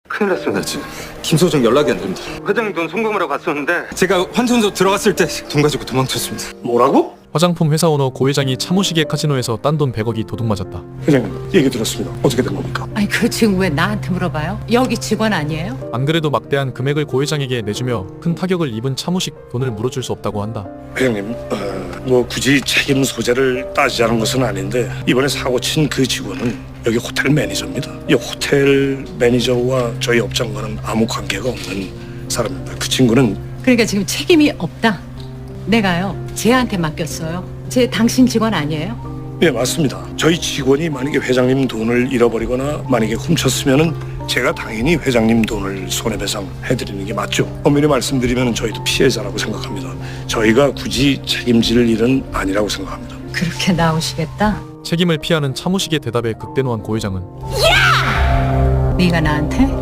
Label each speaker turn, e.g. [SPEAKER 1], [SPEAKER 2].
[SPEAKER 1] 큰일 났습니다.
[SPEAKER 2] 김 소장 연락이 안 됩니다.
[SPEAKER 1] 회장님 돈 송금하러 갔었는데
[SPEAKER 2] 제가 환전소 들어갔을 때 돈 가지고 도망쳤습니다.
[SPEAKER 3] 뭐라고?
[SPEAKER 4] 화장품 회사 오너 고 회장이 차모시계 카지노에서 딴 돈 100억이 도둑맞았다.
[SPEAKER 3] 회장님 얘기 들었습니다. 어떻게 된 겁니까?
[SPEAKER 5] 아니 그걸 지금 왜 나한테 물어봐요? 여기 직원 아니에요?
[SPEAKER 4] 안 그래도 막대한 금액을 고 회장에게 내주며 큰 타격을 입은 차모식 돈을 물어줄 수 없다고 한다.
[SPEAKER 3] 회장님 뭐 굳이 책임 소재를 따지자는 것은 아닌데 이번에 사고 친 그 직원은 여기 호텔 매니저입니다. 이 호텔 매니저와 저희 업장과는 아무 관계가 없는 사람입니다. 그 친구는
[SPEAKER 5] 그러니까 지금 책임이 없다. 내가요 쟤한테 맡겼어요. 쟤 당신 직원 아니에요?
[SPEAKER 3] 예 맞습니다. 저희 직원이 만약에 회장님 돈을 잃어버리거나 만약에 훔쳤으면은 제가 당연히 회장님 돈을 손해배상 해드리는 게 맞죠. 엄밀히 말씀드리면 저희도 피해자라고 생각합니다. 저희가 굳이 책임질 일은 아니라고 생각합니다.
[SPEAKER 5] 그렇게 나오시겠다?
[SPEAKER 4] 책임을 피하는 차모식의 대답에 극대노한 고 회장은
[SPEAKER 5] 네가 나한테?